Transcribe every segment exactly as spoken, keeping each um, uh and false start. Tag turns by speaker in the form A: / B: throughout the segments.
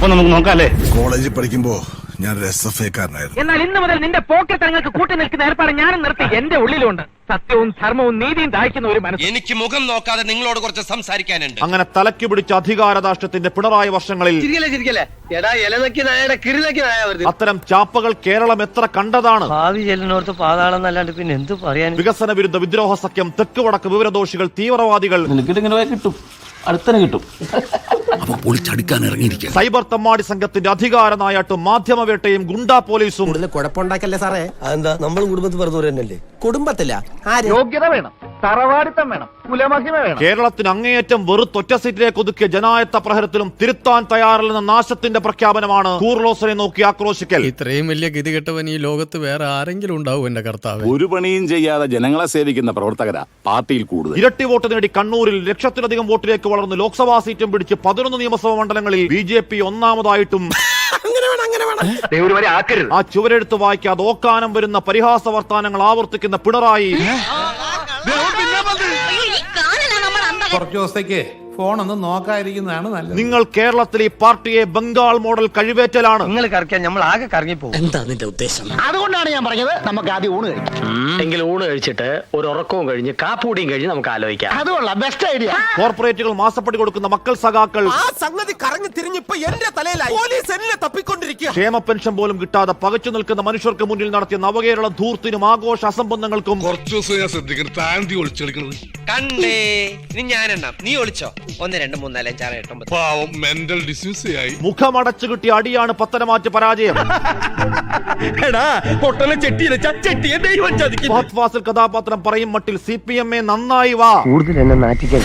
A: അപ്പൊ നമുക്ക് നോക്കാല്ലേ.
B: കോളേജിൽ പഠിക്കുമ്പോ ഞാൻ എസ് എഫ് ഐക്കാരനായിരുന്നു.
C: എന്നാൽ ഇന്ന് മുതൽ നിന്റെ പോക്കറ്റങ്ങൾക്ക് കൂട്ടി നിൽക്കുന്ന ഏർപ്പാട് ഞാനും നിർത്തി. എന്റെ ഉള്ളിലുണ്ട് സത്യവും ധർമ്മവും നീതിയും ദാഹിക്കുന്ന ഒരു മനസ്സ്.
D: എനിക്ക് മുഖം നോക്കാതെ നിങ്ങളോട് കുറച്ച് സംസാരിക്കാനുണ്ട്.
E: അങ്ങനെ തലയ്ക്ക് പിടിച്ച അധികാരദാഷ്ട്യത്തിന്റെ പിണറായി വർഷങ്ങളിൽ അത്തരം ചാപ്പകൾ കേരളം എത്ര കണ്ടതാണ്.
F: ഭാവി ചെല്ലിനോർത്ത് പാതാളം എന്നല്ലാണ്ട് പിന്നെ എന്ത് പറയാൻ.
E: വികസന വിരുദ്ധ വിദ്രോഹ സഖ്യം, തെക്ക് വടക്ക് വിവരദോഷികൾ, തീവ്രവാദികൾ,
A: കിട്ടും അടുത്തന്നെ കിട്ടും.
B: പൊളിച്ചടുക്കാൻ ഇറങ്ങിയിരിക്കുക.
E: സൈബർ തമ്മാടി സംഘത്തിന്റെ അധികാര നായാട്ടും മാധ്യമവേട്ടയും ഗുണ്ടാ പോലീസും.
G: കുഴപ്പമുണ്ടാക്കല്ലേ സാറേ? അതെന്താ നമ്മൾ കുടുംബത്തിൽ പറഞ്ഞു തന്നെയല്ലേ? കുടുംബത്തില്ല
C: യോഗ്യത വേണം, തറവാടിത്തം വേണം, കുലമഹിമ വേണം.
E: കേരളത്തിന് അങ്ങേയറ്റം വെറുത്തൊറ്റ സീറ്റിലേക്ക് ഒതുക്കിയ ജനായത്ത പ്രഹരത്തിലും തിരുത്താൻ തയ്യാറല്ലെന്ന നാശത്തിന്റെ പ്രഖ്യാപനമാണ് കൂർലോസിനെ നോക്കി ആക്രോശിക്കൽ.
H: ഇത്രയും വലിയ ഗതികെട്ടവൻ ഈ ലോകത്ത് വേറെ ആരെങ്കിലും ഉണ്ടാവും എന്റെ കർത്താവ്.
A: ഒരു പണിയും ചെയ്യാതെ ജനങ്ങളെ സേവിക്കുന്ന പ്രവർത്തകരാ പാർട്ടിയിൽ കൂടുതൽ.
E: ഇരട്ടി വോട്ട് നേടി കണ്ണൂരിൽ ലക്ഷത്തിലധികം വോട്ടിലേക്ക് വളർന്ന് ലോക്സഭാ സീറ്റും പിടിച്ച് പതിനൊന്ന് നിയമസഭാ മണ്ഡലങ്ങളിൽ ബി ജെ പി ഒന്നാമതായിട്ടും ആ ചുവരെഴുത്ത് വായിക്കാതെ ഓക്കാനം വരുന്ന പരിഹാസ വർത്താനങ്ങൾ ആവർത്തിക്കുന്ന പിണറായി
I: കുറച്ചു ദിവസത്തേക്ക് ഫോൺ ഒന്ന് നോക്കാതിരിക്കുന്നതാണ് നല്ലത്.
E: നിങ്ങൾ കേരളത്തിൽ ഈ പാർട്ടിയെ ബംഗാൾ മോഡൽ കഴിവേറ്റലാണ്.
F: നിങ്ങൾ കറക്കാൻ നമ്മൾ ആകെ കറങ്ങി പോകും.
G: എന്താ നിന്റെ ഉദ്ദേശം?
C: അതുകൊണ്ടാണ് ഞാൻ പറഞ്ഞത് നമുക്ക് ആദ്യം ഊണ് കഴിക്കാം.
F: എങ്കിൽ ഊണ് കഴിച്ചിട്ട് ഒരു ഉറക്കവും കഴിഞ്ഞ് കാപ്പൂടിയും കഴിഞ്ഞ് നമുക്ക് ആലോചിക്കാം.
C: അതുകൊള്ളാം, ബെസ്റ്റ് ഐഡിയ.
E: കോർപ്പറേറ്റുകൾ മാസപ്പടി കൊടുക്കുന്ന മക്കൾ സഖാക്കൾ
G: ആ സംഗതി കറങ്ങി തിരിഞ്ഞിപ്പോ എന്റെ തലയിലായി. പോലീസ് എന്നെ തപ്പിക്കൊണ്ടിരിക്കുക.
E: ക്ഷേമ പെൻഷൻ പോലും കിട്ടാതെ പകച്ചു നിൽക്കുന്ന മനുഷ്യർക്ക് മുന്നിൽ നടത്തിയ നവകേരള ധൂർത്തിനും ആഘോഷ അസംബന്ധങ്ങൾക്കും
B: കുറച്ചു ദിവസം ഞാൻ ശ്രദ്ധിക്കണം. താന്തി ഒളിച്ചെടുക്കുന്നത്
D: കണ്ടേ ഇനി ഞാനെണ്ണാം, നീ ഒളിച്ചോ. ഒന്ന് രണ്ട് മൂന്ന് നാല് അഞ്ചാറ് എട്ട് ഒമ്പത്.
B: പാവം മെന്റൽ ഡിസ്യൂസ് ആയി.
E: മുഖമടച്ചു കിട്ടിയ അടിയാണ് പത്തനമാറ്റ് പരാജയം. ഫഹദ് ഫാസിൽ കഥാപാത്രം പറയും മട്ടിൽ സി പി എം എ നന്നായി വാ.
F: കൂടുതൽ എന്നെ നാറ്റിക്കാൻ.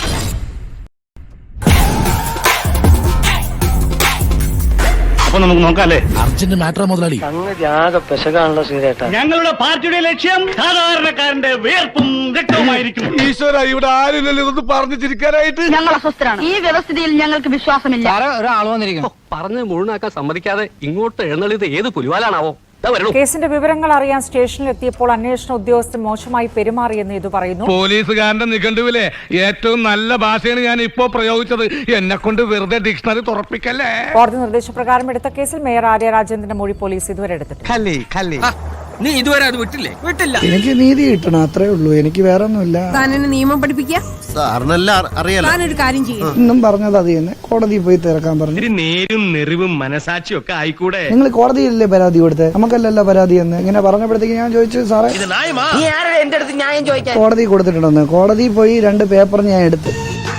A: അപ്പൊ നമുക്ക് നോക്കാല്ലേ.
B: അർജന്റ് മാറ്റർ മുതലാളി.
F: സംഗതി ആകെ പെശകാണല്ലോ ശ്രീരേട്ടാ.
A: ഞങ്ങളുടെ പാർട്ടിയുടെ ലക്ഷ്യം സാധാരണക്കാരന്റെ വേർപ്പും രക്തവുമായിരിക്കും.
B: ഈശ്വര, ഇവിടെ ആരില്ലല്ലോ ഇതൊന്ന് പറഞ്ഞു ചിരിക്കാനായിട്ട്.
J: ഞങ്ങൾ അസ്വസ്ഥരാണ്. ഈ വ്യവസ്ഥിതിയിൽ ഞങ്ങൾക്ക് വിശ്വാസമില്ല.
F: ഒരാൾ വന്നിരിക്കുന്നു.
C: പറഞ്ഞ് മുഴുവനാക്കാൻ സമ്മതിക്കാതെ ഇങ്ങോട്ട് എഴുന്നള്ളിയത് ഏത് പുലിവാലാണാവോ?
J: കേസിന്റെ വിവരങ്ങൾ അറിയാൻ സ്റ്റേഷനിലെത്തിയപ്പോൾ അന്വേഷണ ഉദ്യോഗസ്ഥർ മോശമായി പെരുമാറിയെന്ന് ഇത് പറയുന്നു.
I: പോലീസുകാരന്റെ നിഘണ്ടുവിലെ ഏറ്റവും നല്ല ഭാഷയാണ് ഞാൻ ഇപ്പോ പ്രയോഗിച്ചത്. എന്നെ കൊണ്ട് വെറുതെ ഡിക്ഷണറി തുറപ്പിക്കല്ലേ.
J: കോടതി നിർദ്ദേശപ്രകാരം എടുത്ത കേസിൽ മേയർ ആര്യ രാജേന്ദ്രന്റെ മൊഴി പോലീസ് ഇതുവരെ എടുത്തിട്ടുണ്ട്.
F: നീ ഇതുവരെ അത് വിട്ടില്ലേ? വിട്ടില്ല.
G: എനിക്ക് നീതി കിട്ടണം, അത്രേ ഉള്ളൂ. എനിക്ക് വേറെ ഒന്നുമില്ല.
J: താനെന്നെ നിയമം പഠിപ്പിക്കുക.
G: ഒരു കാര്യം ചെയ്യും. ഇന്നും പറഞ്ഞത് അത് തന്നെ. കോടതിയിൽ പോയി തിരക്കാൻ പറഞ്ഞു.
I: നേരും നെറിവും മനസാക്ഷിയും ഒക്കെ ആയിക്കൂടെ.
G: നിങ്ങൾ കോടതിയിലല്ലേ പരാതി കൊടുത്തത്? നമുക്കല്ലല്ലോ പരാതി എന്ന് ഇങ്ങനെ പറഞ്ഞപ്പോഴത്തേക്ക് ഞാൻ ചോദിച്ചു, സാറേ
J: എന്റെ അടുത്ത് ന്യായം ചോദിക്കാൻ
G: കോടതി കൊടുത്തിട്ടുണ്ടെന്ന്. കോടതിയിൽ പോയി രണ്ട് പേപ്പർ ഞാൻ എടുത്ത്.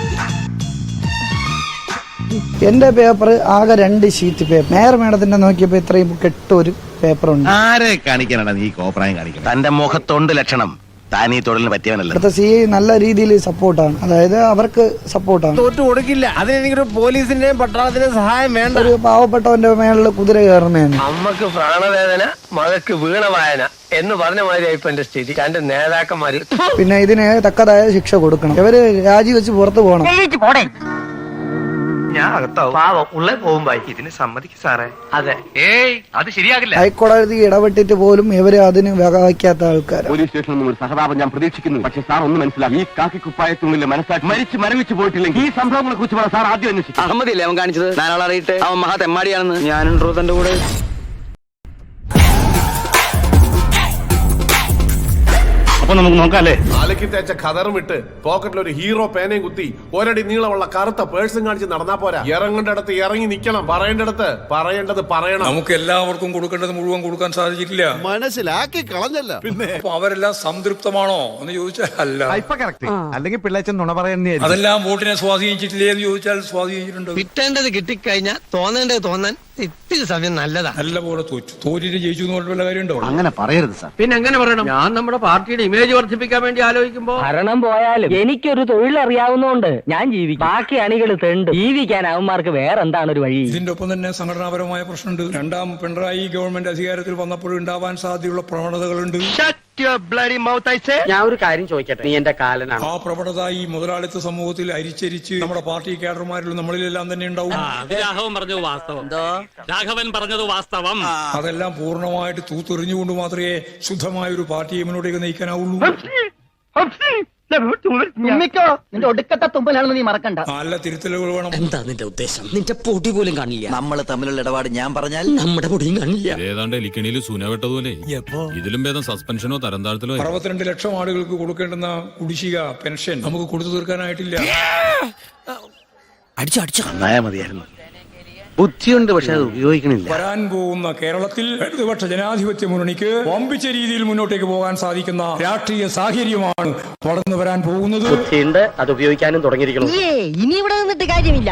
G: എന്റെ പേപ്പർ ആകെ രണ്ട് ഷീറ്റ് പേപ്പർ. മേയർ മേഡത്തിന്റെ നോക്കിയപ്പോ ഇത്രയും കെട്ടൊരു പേപ്പറുണ്ട്.
D: ആരെ കാണിക്കാനാണ് നീ കോപ്രായം കാണിക്കുന്നത്? തന്റെ മുഖത്തൊണ്ട് ലക്ഷണം. താൻ ഈ തൊഴിലിന് പറ്റിയവനല്ല.
G: അടുത്ത സി ഐ നല്ല രീതിയിൽ സപ്പോർട്ടാണ്, അതായത് അവർക്ക് സപ്പോർട്ടാണ്.
F: തോറ്റു കൊടുക്കില്ല. അതിനെനിക്കൊരു പോലീസിന്റെയും പട്ടാളത്തിന്റെയും സഹായം വേണ്ട.
G: ഒരു പാവപ്പെട്ടവന്റെ മേളിൽ കുതിര കയറുന്നതാണ്.
F: അമ്മക്ക് പ്രാണവേദന, മകക്ക് വീണവായന എന്ന് പറഞ്ഞ മാതിരിയായിപ്പോ എന്റെ സ്ഥിതി. എന്റെ നേതാക്കന്മാര്
G: പിന്നെ ഇതിന് തക്കതായ ശിക്ഷ കൊടുക്കണം. ഇവര് രാജിവെച്ച് പുറത്തു പോകണം.
F: ഞാൻ അകത്താവും. പാവം ഉള്ളേ പോകുമ്പോ ഇതിന് സമ്മതിക്കും സാറേ. അതെ. ഏയ് അത് ശരിയാകില്ല.
G: ഹൈക്കോടതി ഇടപെട്ടിട്ട് പോലും ഇവര് അതിന് വകവയ്ക്കാത്ത ആൾക്കാർ.
A: പോലീസ് സ്റ്റേഷനിൽ നിന്നും ഒരു സഹതാപം ഞാൻ പ്രതീക്ഷിക്കുന്നു. പക്ഷേ സാർ ഒന്ന് മനസ്സിലാക്കി, ഈ കാക്കിക്കുപ്പായത്തുള്ളിലെ മനസ്സാക്കി മരിച്ച് മരവിച്ച് പോയിട്ടില്ലെങ്കിൽ ഈ സംഭവങ്ങളെ കുറിച്ച് സാർ ആദ്യം അന്വേഷിക്കും.
F: അഹമ്മദില്ലേ അവൻ കാണിച്ചത്? നാലാൾ അറിയിട്ട് അവൻ മഹാ തെമ്മാടിയാണെന്ന്. ഞാനുണ്ടോ തന്റെ കൂടെ?
A: അപ്പൊ നമുക്ക് നോക്കാല്ലേ.
I: അലക്കി തേച്ച ഖദറും ഇട്ട് പോക്കറ്റിൽ ഒരു ഹീറോ പേനയും കുത്തി ഒരടി നീളമുള്ള കറുത്ത പേഴ്സും കാണിച്ച് നടന്നാ പോരാ. ഇറങ്ങേണ്ടടുത്ത് ഇറങ്ങി നിൽക്കണം, പറയേണ്ടടുത്ത് പറയേണ്ടത് പറയണം.
H: നമുക്ക് എല്ലാവർക്കും കൊടുക്കേണ്ടത് മുഴുവൻ കൊടുക്കാൻ സാധിച്ചിട്ടില്ല.
B: മനസ്സിലാക്കി കളഞ്ഞല്ല. പിന്നെ
H: അപ്പൊ അവരെല്ലാം സംതൃപ്തമാണോ എന്ന് ചോദിച്ചാൽ അല്ല.
I: അല്ലെങ്കിൽ പിള്ളേച്ചൻ നുണ പറയുന്നേ.
H: അതെല്ലാം വോട്ടിനെ സ്വാധീനിച്ചിട്ടില്ലേ എന്ന് ചോദിച്ചാൽ സ്വാധീനിച്ചിട്ടുണ്ട്.
F: കിട്ടേണ്ടത് കിട്ടിക്കഴിഞ്ഞാൽ തോന്നേണ്ടത് തോന്നാൻ ഇത്തിരി സമയം നല്ലതാ.
H: നല്ല പോലെ തോറ്റു. തോറ്റിട്ട് ജയിച്ചു എന്ന് പറഞ്ഞ വല്ല കാര്യമുണ്ടോ?
D: അങ്ങനെ പറയരുത് സാർ.
C: പിന്നെ എങ്ങനെ പറയണം? ഞാൻ നമ്മുടെ പാർട്ടിയുടെ ഇമേജ് വർദ്ധിപ്പിക്കാൻ വേണ്ടി ആലോചിക്കുമ്പോ
F: ഭരണം പോയാലും എനിക്കൊരു തൊഴിൽ അറിയാവുന്നതുകൊണ്ട് ഞാൻ ജീവിക്കും. ബാക്കി അണികൾ തെണ്ട് ജീവിക്കാൻ അവന്മാർക്ക് വേറെ എന്താണ് ഒരു വഴി?
H: ഇതിന്റെ ഒപ്പം തന്നെ സംഘടനാപരമായ പ്രശ്നമുണ്ട്. രണ്ടാം പിണറായി ഗവൺമെന്റ് അധികാരത്തിൽ വന്നപ്പോൾ ഉണ്ടാവാൻ സാധ്യതയുള്ള പ്രവണതകളുണ്ട്.
C: ഞാൻ ഒരു കാര്യം ചോദിക്കട്ടെ, നീ എന്റെ കാലനാണ്.
H: ആ പ്രവണത ഈ മുതലാളിത്ത സമൂഹത്തിൽ അരിച്ചരിച്ച് നമ്മുടെ പാർട്ടി കേഡർമാരിലും നമ്മളിലെല്ലാം തന്നെ ഉണ്ടാവും.
C: രാഘവൻ പറഞ്ഞത് വാസ്തവം. രാഘവൻ പറഞ്ഞത് വാസ്തവം.
H: അതെല്ലാം പൂർണ്ണമായിട്ട് തൂത്തെറിഞ്ഞുകൊണ്ട് മാത്രമേ ശുദ്ധമായ ഒരു പാർട്ടിയെ മുന്നോട്ടേക്ക് നയിക്കാനാവുള്ളൂ.
F: തുമ്മിക്കോ, നിന്റെ ഒടുക്കത്തെ തുമ്പലാണെന്ന് നീ മറക്കണ്ട.
H: നല്ല തിരുത്തലുകൾ വേണം.
K: എന്താ നിന്റെ ഉദ്ദേശം? നിന്റെ പൊടി പോലും കാണില്ല. നമ്മൾ തമ്മിലുള്ള ഇടപാട് ഞാൻ പറഞ്ഞാൽ നമ്മുടെ പൊടിയും കാണില്ല.
B: ഏതാണ്ട് എലിക്കണിയിൽ സൂനവെട്ടതുപോലെ ഇതിലും ഭേദം സസ്പെൻഷനോ തരം താഴ്ത്തലോ.
H: അറുപത്തിരണ്ട് ലക്ഷം ആളുകൾക്ക് കൊടുക്കേണ്ടുന്ന കുടിശ്ശിക പെൻഷൻ നമുക്ക് കൊടുത്തു തീർക്കാനായിട്ടില്ല.
K: അടിച്ചു അടിച്ചു
D: നന്നായ മതിയായിരുന്നു. ബുദ്ധിയുണ്ട്, പക്ഷെ അത് ഉപയോഗിക്കണില്ല.
H: വരാൻ പോകുന്ന കേരളത്തിൽ ഇടതുപക്ഷ ജനാധിപത്യ മുന്നണിക്ക് വമ്പിച്ച രീതിയിൽ മുന്നോട്ടേക്ക് പോകാൻ സാധിക്കുന്ന രാഷ്ട്രീയ സാഹചര്യമാണ് വളർന്നു വരാൻ പോകുന്നത്.
F: ബുദ്ധിയുണ്ട്, അത് ഉപയോഗിക്കാനും തുടങ്ങിയിരിക്കണം.
K: ഇനി ഇവിടെ നിന്നിട്ട് കാര്യമില്ല.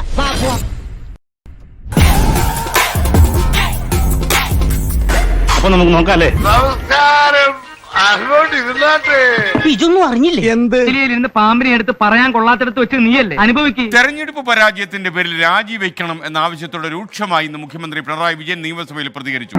A: അപ്പൊ നമുക്ക് നോക്കാല്ലേ?
K: ഇതൊന്നും അറിഞ്ഞില്ലേ?
C: ഇരുന്ന് പാമ്പിനെ എടുത്ത് പറയാൻ കൊള്ളാത്തടത്ത് വെച്ച് നീയല്ലേ അനുഭവിക്കും.
B: തെരഞ്ഞെടുപ്പ് പരാജയത്തിന്റെ പേരിൽ രാജിവെക്കണം എന്ന ആവശ്യത്തോടെ രൂക്ഷമായി ഇന്ന് മുഖ്യമന്ത്രി പിണറായി വിജയൻ നിയമസഭയിൽ പ്രതികരിച്ചു.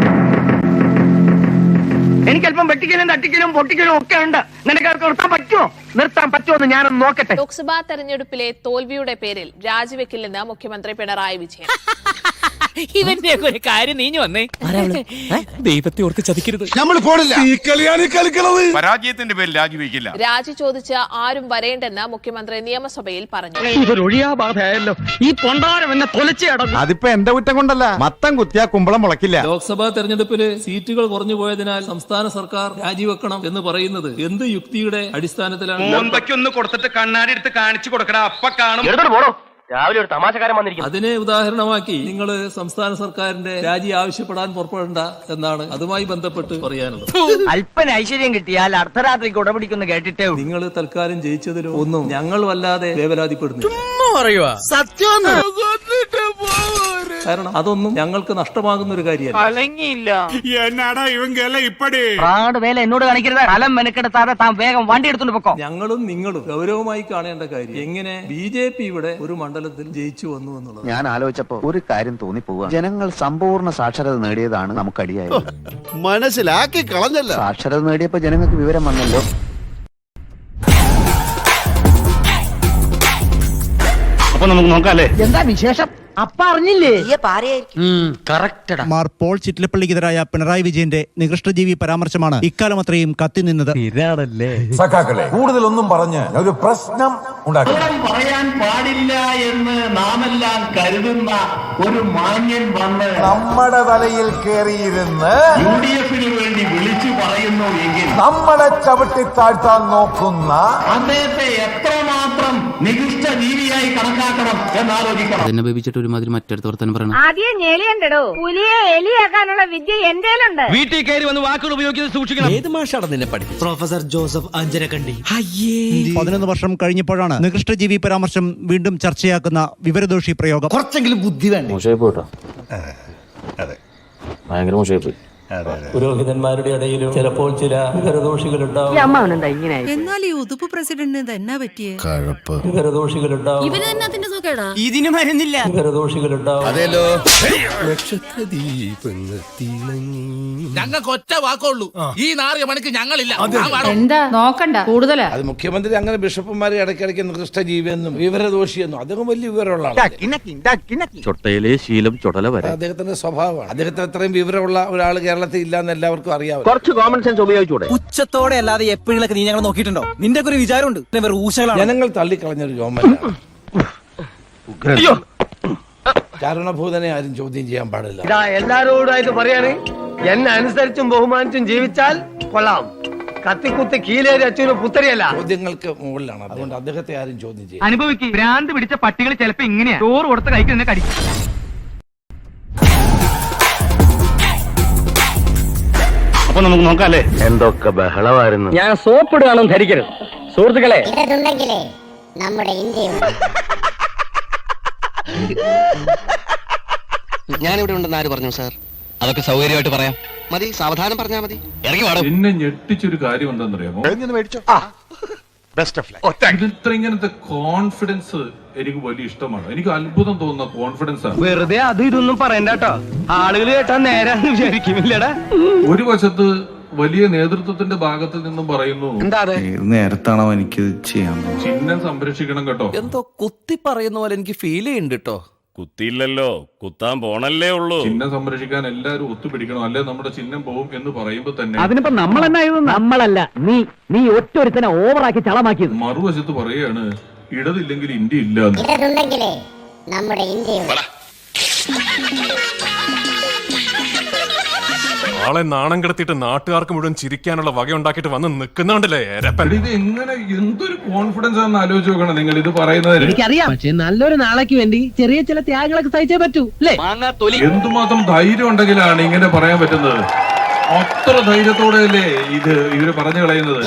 C: എനിക്കല്പം വെട്ടിക്കലും തട്ടിക്കലും പൊട്ടിക്കലും ഒക്കെ ഉണ്ട്. നിനക്ക് നിർത്താൻ പറ്റുമോ? നിർത്താൻ പറ്റുമോ എന്ന് ഞാനൊന്ന് നോക്കട്ടെ.
L: ലോക്സഭാ തെരഞ്ഞെടുപ്പിലെ തോൽവിയുടെ പേരിൽ രാജിവെക്കില്ലെന്ന് മുഖ്യമന്ത്രി പിണറായി വിജയൻ.
C: ഇവന്റെ ഒരു കാര്യം നീഞ്ഞു വന്നേ. ദൈവത്തെ ഓർത്ത് ചതിക്കരുത്.
B: നമ്മൾ പോണില്ല. ഈ കളിയാണ് കളിക്കണത്. പരാജയത്തിന്റെ പേരിൽ രാജിവെക്കില്ല.
L: രാജി ചോദിച്ച് ആരും വരേണ്ടെന്ന് മുഖ്യമന്ത്രി നിയമസഭയിൽ പറഞ്ഞു.
C: ഇതൊരു ഒഴിയാബാധയല്ലോ. ഈ പൊണ്ടാരം എന്നെ തൊലച്ചേ അടങ്ങും.
A: അതിപ്പോ എന്റെ കുറ്റം കൊണ്ടല്ല. മത്തം കുത്തിയാ കുമ്പളം മുളക്കില്ല.
K: ലോക്സഭാ തെരഞ്ഞെടുപ്പില് സീറ്റുകൾ കുറഞ്ഞു പോയതിനാൽ സംസ്ഥാന സർക്കാർ രാജിവെക്കണം എന്ന് പറയുന്നത് എന്ത് യുക്തിയുടെ അടിസ്ഥാനത്തിലാണ്?
C: ഒന്ന് കൊടുത്തിട്ട് കണ്ണാടി എടുത്ത് കാണിച്ചു കൊടുക്കടാ, അപ്പ കാണും. രാവിലെ ഒരു തമാശക്കാരൻ വന്നിരിക്കും.
K: അതിനെ ഉദാഹരണമാക്കി നിങ്ങൾ സംസ്ഥാന സർക്കാരിന്റെ രാജി ആവശ്യപ്പെടാൻ പുറപ്പെടേണ്ട എന്നാണ് അതുമായി ബന്ധപ്പെട്ട് പറയാനുള്ളത്.
F: അല്പന ഐശ്വര്യം കിട്ടിയാൽ അർദ്ധരാത്രിക്ക് ഉടപിടിക്കുന്നു കേട്ടിട്ടേ.
K: നിങ്ങൾ തൽക്കാലം ജയിച്ചതിലോ ഒന്നും ഞങ്ങൾ വല്ലാതെ വേവലാതിപ്പെടുന്നു. കാരണം അതൊന്നും ഞങ്ങൾക്ക് നഷ്ടമാകുന്ന ഒരു കാര്യമല്ല.
B: എന്നാടാ ഇവങ്കല ഇപ്പടി
F: പ്രാട് വേല എന്നോട് കാണിക്കരുത്. കലം മെനക്കെടുത്താതെ താൻ വേഗം വണ്ടി എടുത്തോണ്ട് പൊക്കോ.
K: ഞങ്ങളും നിങ്ങളും ഗൗരവമായി കാണേണ്ട കാര്യം എങ്ങനെ ബി ജെ പി ഇവിടെ ഒരു മണ്ഡലത്തിൽ ജയിച്ചു വന്നു എന്നുള്ളത്.
D: ഞാൻ ആലോചിച്ചപ്പോ ഒരു കാര്യം തോന്നിപ്പോവുക. ജനങ്ങൾ സമ്പൂർണ്ണ സാക്ഷരത നേടിയതാണ് നമുക്കടിയായത്.
B: മനസ്സിലാക്കി കളഞ്ഞല്ല.
D: സാക്ഷരത നേടിയപ്പോ ജനങ്ങൾക്ക് വിവരം വന്നല്ലോ.
A: അപ്പൊ നമുക്ക് നോക്കാല്ലേ?
F: എന്താ വിശേഷം? അപ്പ അറിഞ്ഞില്ലേ?
G: മാർ പോൾ ചിറ്റിലപ്പള്ളിക്കെതിരായ പിണറായി വിജയന്റെ നികൃഷ്ടജീവി പരാമർശമാണ് ഇക്കാലം അത്രയും കത്തി നിന്നത്.
I: സഖാക്കളെ കൂടുതലൊന്നും പറഞ്ഞ് ഒരു പ്രശ്നം ഉണ്ടാക്കി
F: പറയാൻ പാടില്ല എന്ന് നാമെല്ലാം കരുതുന്ന ഒരു മാന്യൻ വന്ന്
I: നമ്മുടെ തലയിൽ കയറിയിരുന്ന്
F: യു ഡി എഫിന് വേണ്ടി വിളിച്ചു പറയുന്നു എങ്കിൽ
I: നമ്മളെ ചവിട്ടി താഴ്ത്താൻ നോക്കുന്ന
F: അദ്ദേഹത്തെ എത്രമാത്രം നികൃഷ്ട ജീവിയായി കണക്കാക്കണം എന്നാലോചിക്കണം.
K: എന്നെ ബേബിച്ചിട്ട് ഒരുമാതിരി മറ്റടുത്ത് വർത്താനം പറയണം.
L: ആദ്യം ഞെളിയണ്ടോ പുലിയെ എലിയാക്കാനുള്ള വിദ്യ എന്തേലുണ്ട്.
C: വീട്ടിൽ കയറി വന്ന് വാക്കുകൾ ഉപയോഗിക്കുന്നത് സൂക്ഷിക്കണം.
K: ഏത് മാഷാണ് നിന്നെ പഠിച്ചത്? Professor Joseph Anjarakandy.
G: പതിനൊന്ന് വർഷം കഴിഞ്ഞപ്പോഴാണ് നികൃഷ്ടജീവി പരാമർശം വീണ്ടും ചർച്ചയാക്കുന്ന വിവരദോഷി പ്രയോഗം. കുറച്ചെങ്കിലും ബുദ്ധി വേണം.
K: മോശമായി പോട്ടോ. ഭയങ്കര മോശമായി പോയി. പുരോഹിതന്മാരുടെ ഇടയിലും ചിലപ്പോൾ ചില വിവരദോഷികളുണ്ടാവും.
L: എന്നാൽ ഈ ഉതുപ്പ് പ്രസിഡന്റിന് തന്നെ പറ്റിയ
K: വിവരദോഷികളുണ്ടാവും.
F: ഇതിന് മരുന്നില്ല.
K: വിവരദോഷികളുണ്ടാവും.
B: അതേലോ. ഞങ്ങൾക്ക് ഒറ്റ വാക്കുള്ളൂ. ഈ നാറിയ പണിക്ക് ഞങ്ങളില്ല.
L: എന്താ നോക്കണ്ട കൂടുതലാ.
I: അത് മുഖ്യമന്ത്രി അങ്ങനെ ബിഷപ്പുമാരെ ഇടയ്ക്കിടയ്ക്ക് നികൃഷ്ടജീവിയെന്നും വിവരദോഷിയെന്നും അദ്ദേഹം വലിയ വിവരമുള്ള ആളാണ്.
A: ചൊട്ടയിലെ ശീലം ചുടല വരെ.
I: അദ്ദേഹത്തിന്റെ സ്വഭാവമാണ്. അദ്ദേഹത്തിന് അത്രയും വിവരമുള്ള ഒരാൾ കേരളത്തിൽ ഇല്ലാന്ന് എല്ലാവർക്കും അറിയാം.
F: കുറച്ച് കോമൺ സെൻസ് ഉപയോഗിച്ചൂടെ?
K: ഉച്ചത്തോടെ അല്ലാതെ എപ്പോഴൊക്കെ നീ ഞങ്ങൾ നോക്കിയിട്ടുണ്ടോ? നിന്റെ ഒരു വിചാരമുണ്ട്.
I: ജനങ്ങൾ തള്ളിക്കളഞ്ഞൊരു ഗവൺമെന്റ്. ചാരണഭൂതനെ ആരും ചോദ്യം ചെയ്യാൻ പാടില്ല.
F: ഇതാ എല്ലാരോടായിട്ട് പറയാണ്, എന്നെ അനുസരിച്ചും ബഹുമാനിച്ചും ജീവിച്ചാൽ കൊള്ളാം. കത്തിക്കുത്തി കീലേരി അച്ഛന് പുത്തരിയല്ല.
I: ചോദ്യങ്ങൾക്ക് മുകളിലാണ്. അതുകൊണ്ട് അദ്ദേഹത്തെ ആരും ചോദ്യം ചെയ്യും.
C: അനുഭവിക്കും. ഭ്രാന്ത് പിടിച്ച പട്ടികൾ ചിലപ്പോ ഇങ്ങനെയാ ചോറ് കൊടുത്ത കൈക്ക് തന്നെ കടിക്കും.
A: അപ്പൊ നമുക്ക് നോക്കാല്ലേ? എന്തൊക്കെ ബഹളമായിരുന്നു.
F: ഞാൻ സോപ്പിടുകയാണെന്ന് ധരിക്കരുത് സുഹൃത്തുക്കളെ.
L: നമ്മുടെ
K: ഞാനിവിടെ ഉണ്ടെന്ന് ആര് പറഞ്ഞു സാർ? അതൊക്കെ സൗകര്യമായിട്ട് പറയാം. മതി, സാവധാനം പറഞ്ഞാൽ മതി. ഇറങ്ങി വാടും.
B: എന്നെ ഞെട്ടിച്ചൊരു കാര്യം എന്താണെന്നറിയാമോ? ഇത്ര ഇങ്ങനത്തെ കോൺഫിഡൻസ് എനിക്ക് വലിയ ഇഷ്ടമാണ്. എനിക്ക് അത്ഭുതം തോന്നുന്ന കോൺഫിഡൻസ് ആണ്.
C: വെറുതെ അത് ഇതൊന്നും പറയണ്ട കേട്ടോ. ആളുകൾ കേട്ടാ നേരാന്ന് വിചാരിക്കുന്നില്ലടാ.
B: ഒരു വശത്ത് വലിയ നേതൃത്വത്തിന്റെ ഭാഗത്ത് നിന്നും പറയുന്നു,
K: നേരത്താണോ എനിക്ക് ചെയ്യാൻ
B: ചിഹ്നം സംരക്ഷിക്കണം കേട്ടോ.
K: എന്തോ കുത്തി പറയുന്ന പോലെ എനിക്ക് ഫീൽ ചെയ്യുന്നുണ്ട് കേട്ടോ.
A: കുത്തിയില്ലല്ലോ, കുത്താൻ പോണല്ലേ ഉള്ളൂ.
H: ചിഹ്നം സംരക്ഷിക്കാൻ എല്ലാവരും ഒത്തുപിടിക്കണം, അല്ലെ നമ്മുടെ ചിഹ്നം പോവും എന്ന് പറയുമ്പോ തന്നെ
C: അതിനിപ്പോ നമ്മൾ തന്നെ നമ്മളല്ല നീ നീ ഒറ്റൊരുത്തനെ ഓവറാക്കി ചളമാക്കിയത്.
H: മറുവശത്ത് പറയുകയാണ് ഇടതില്ലെങ്കിൽ ഇന്ത്യ ഇല്ല.
J: നമ്മുടെ ഇന്ത്യ
H: ആളെ നാണം കിടത്തിയിട്ട് നാട്ടുകാർക്ക് മുഴുവൻ ചിരിക്കാനുള്ള വക ഉണ്ടാക്കിയിട്ട് വന്ന് നിൽക്കുന്നുണ്ടല്ലേ. ഇത് എങ്ങനെ എന്തൊരു കോൺഫിഡൻസ് ആണെന്ന് ആലോചിച്ച് നോക്കണം നിങ്ങൾ ഇത് പറയുന്നത്.
C: എനിക്കറിയാം, പക്ഷെ നല്ലൊരു നാളേക്ക് വേണ്ടി ചെറിയ ചില ത്യാഗങ്ങളൊക്കെ സഹിച്ചേ പറ്റൂ അല്ലേ.
H: എന്തുമാത്രം ധൈര്യം ഉണ്ടെങ്കിലാണ് ഇങ്ങനെ പറയാൻ പറ്റുന്നത്. അത്ര ധൈര്യത്തോടെ അല്ലേ ഇത് ഇവര് പറഞ്ഞു കളയുന്നത്.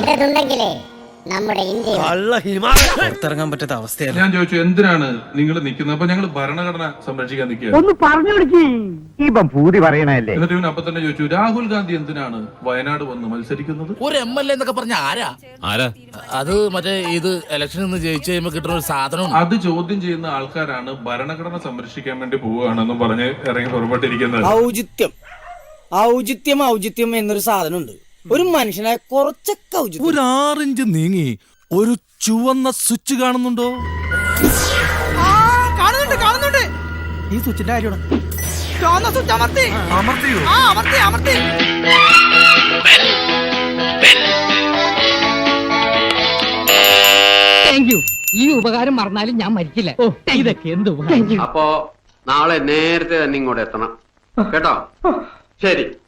D: പുറത്തിറങ്ങാൻ പറ്റാത്ത അവസ്ഥയല്ല.
H: ഞാൻ ചോദിച്ചു എന്തിനാണ് നിങ്ങൾ നിൽക്കുന്നത്? അപ്പൊ ഞങ്ങൾ ഭരണഘടന സംരക്ഷിക്കാൻ നിൽക്കുക.
C: ഒന്ന് പറഞ്ഞു കൊടുക്കി ഇപ്പം പൂതി പറയണല്ലേ.
H: എന്നിട്ട് ഇവൻ അപ്പൊ തന്നെ ചോദിച്ചു രാഹുൽ ഗാന്ധി എന്തിനാണ് വയനാട് വന്ന് മത്സരിക്കുന്നത്?
K: ഒരു എം എൽ എ എന്നൊക്കെ പറഞ്ഞ ആരാ ആരാ അത്? മറ്റേ ഇത് ഇലക്ഷനിൽ നിന്ന് ജയിച്ചു കഴിയുമ്പോ കിട്ടുന്ന ഒരു സാധനം.
H: അത് ചോദ്യം ചെയ്യുന്ന ആൾക്കാരാണ് ഭരണഘടന സംരക്ഷിക്കാൻ വേണ്ടി പോവുകയാണെന്ന് പറഞ്ഞ് ഇറങ്ങി പുറപ്പെട്ടിരിക്കുന്നത്.
C: ഔചിത്യം ഔചിത്യം ഔചിത്യം എന്നൊരു സാധനമുണ്ട്. ഒരു മനുഷ്യനെ കുറച്ചൊക്കെ ഔചിത്യം.
K: ഒരു ആറിഞ്ച് നീങ്ങി ഒരു ചുവന്ന സ്വിച്ച് കാണുന്നുണ്ടോ?
C: കാണുന്നുണ്ട് കാണുന്നുണ്ട്. ഈ സ്വിച്ചിന്റെ കാര്യമാണ്. ചുവന്ന സ്വിച്ച് അമർത്തി അമർത്തിയോ? ആ അമർത്തി അമർത്തി. Thank you. ഈ ഉപകാരം മറന്നാലും ഞാൻ മരിക്കില്ല. ഇതൊക്കെ എന്ത് ഉപകാരം.
F: അപ്പോ നാളെ നേരത്തെ തന്നെ ഇങ്ങോട്ട് എത്തണം കേട്ടോ. ശരി.